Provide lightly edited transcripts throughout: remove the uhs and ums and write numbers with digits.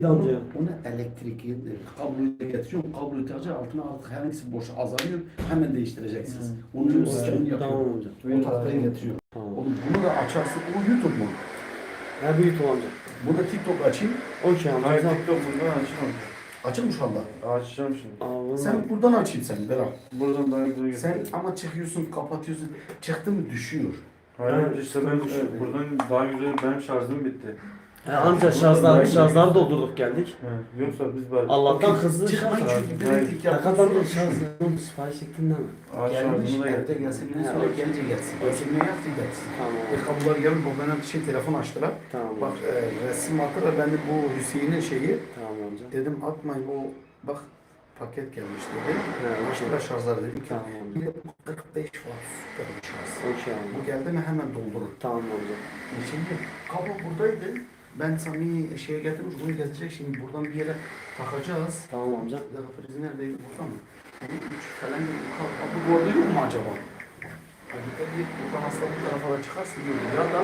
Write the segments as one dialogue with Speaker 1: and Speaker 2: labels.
Speaker 1: Amca.
Speaker 2: Onu elektrikli kabloyu getiriyorum. Kabloyu takacak altına artık hangisi boş azalıyor. Hemen değiştireceksiniz. Onun sistemini
Speaker 1: Tamam
Speaker 2: yapıyorum.
Speaker 1: amca.
Speaker 2: O tahtayı getiriyorum.
Speaker 1: Tamam.
Speaker 2: Oğlum bunu da açarsın. O YouTube mu?
Speaker 1: Ha büyük amca.
Speaker 2: Burada TikTok açayım.
Speaker 1: Okey amca.
Speaker 3: Hayır
Speaker 1: Tamam.
Speaker 3: TikTok buradan açmam.
Speaker 2: Açın mı şu anda?
Speaker 3: Açacağım şimdi.
Speaker 1: Aa,
Speaker 2: Sen buradan açayım sen Berat.
Speaker 3: Buradan daha güzel
Speaker 2: Sen
Speaker 3: gösteriyor.
Speaker 2: ama çıkıyorsun, kapatıyorsun. Çıktı mı düşüyor.
Speaker 3: Hayır işte ben buradan daha güzel benim şarjım bitti.
Speaker 1: Amca şarjları doldurduk geldik.
Speaker 3: He. Yoksa biz bari.
Speaker 1: Allah'tan hızlı
Speaker 2: Çıkmayın
Speaker 1: şarj.
Speaker 2: çünkü
Speaker 3: Hayır.
Speaker 2: elektrik
Speaker 1: Ne
Speaker 2: yapıyor.
Speaker 1: kadar da şarjını sipariş ettin değil mi?
Speaker 3: Ağaç
Speaker 2: Gelmiş,
Speaker 3: şarjını da
Speaker 2: evde
Speaker 3: getirdim.
Speaker 2: gelsin. Bir
Speaker 1: He,
Speaker 2: sonra
Speaker 1: evet.
Speaker 2: gelince gelsin. Ölçümünü yaptı gelsin.
Speaker 1: Tamam.
Speaker 2: Kablolar gelip o bana telefon açtılar.
Speaker 1: Tamam.
Speaker 2: Bak resim attılar. Ben de bu Hüseyin'in şeyi
Speaker 1: Tamam amca.
Speaker 2: dedim atmayın bu bak paket gelmiş dedi.
Speaker 1: He,
Speaker 2: Açtılar şarjları dedim ki
Speaker 1: Tamam amca.
Speaker 2: bir de 45 watt süper bir şarj.
Speaker 1: Okey
Speaker 2: Bu
Speaker 1: amca.
Speaker 2: geldi mi hemen doldurur.
Speaker 1: Tamam amca.
Speaker 2: Şimdi kablo buradaydı. Ben Sami'yi şeye getirmiş, bunu getirecek. Şimdi buradan bir yere takacağız.
Speaker 1: Tamam amca.
Speaker 2: Bir dakika prizi neredeydi? Burada mı? Bunun üç falan gibi. Kablo bu arada yok mu acaba? Hadi bir buradan aslında bu tarafa da çıkarsın diyor. Ya da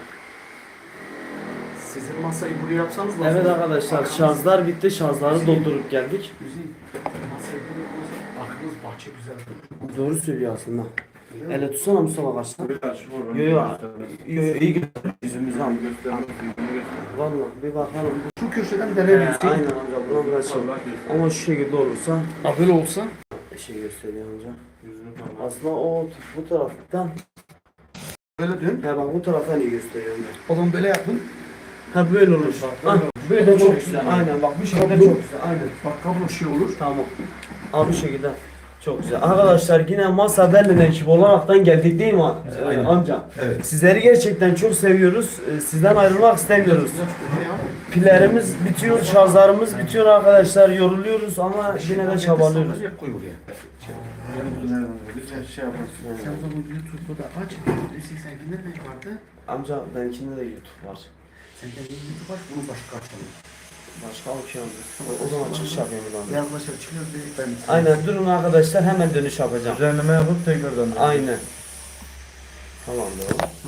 Speaker 2: sizin masayı buraya yapsanız nasıl?
Speaker 1: Evet arkadaşlar
Speaker 2: Arkanız-
Speaker 1: şarjlar bitti. Şarjları doldurup geldik.
Speaker 2: Güzel. Masayı buraya koysanız arkanız bahçe güzel durur.
Speaker 1: Doğru söylüyor aslında. Ele tutsana Mustafa kaçtan.
Speaker 3: Bir aç vur.
Speaker 1: Yo yo. Yo yo iyi göster yüzümüzü amca.
Speaker 3: Göster.
Speaker 1: Valla bir bakalım.
Speaker 2: Şu köşeden deneyebilirsin.
Speaker 1: Aynen amca buna biraz şey. Ama şu şekilde olursa
Speaker 2: Böyle olsa
Speaker 1: şey gösteriyor amca.
Speaker 3: Yüzünü falan.
Speaker 1: Aslında o bu taraftan
Speaker 2: böyle dön.
Speaker 1: he bak bu taraftan iyi gösteriyor amca.
Speaker 2: O zaman böyle yapın.
Speaker 1: Ha böyle olur. Ha, böyle çok güzel. Aynen bak bu şekilde çok güzel. Aynen.
Speaker 2: Bak kablo şey olur.
Speaker 1: Tamam. Abi bu şekilde. Çok güzel. Arkadaşlar yine Masa Berlin ekip olaraktan geldik değil mi
Speaker 2: Aynen.
Speaker 1: amca?
Speaker 2: Evet.
Speaker 1: Sizleri gerçekten çok seviyoruz. Sizden ayrılmak istemiyoruz. Pillerimiz bitiyor, şarjlarımız bitiyor arkadaşlar. Yoruluyoruz ama yine de çabalıyoruz.
Speaker 2: Koy buraya.
Speaker 3: Bir şey yaparsın.
Speaker 2: Sen o zaman YouTube'da da aç. Seninkiler ne vardı?
Speaker 1: Amca benimkinde de YouTube var.
Speaker 2: Sen kendin YouTube aç, bunu başka açalım.
Speaker 1: Başka okey amca. O zaman çıkış yapayım buradan.
Speaker 2: Beyazlaşır çıkıyor dedik ben.
Speaker 1: Aynen durun arkadaşlar hemen dönüş yapacağım.
Speaker 3: Düzenleme yapıp tekrardan.
Speaker 1: Aynen. Tamam doğru.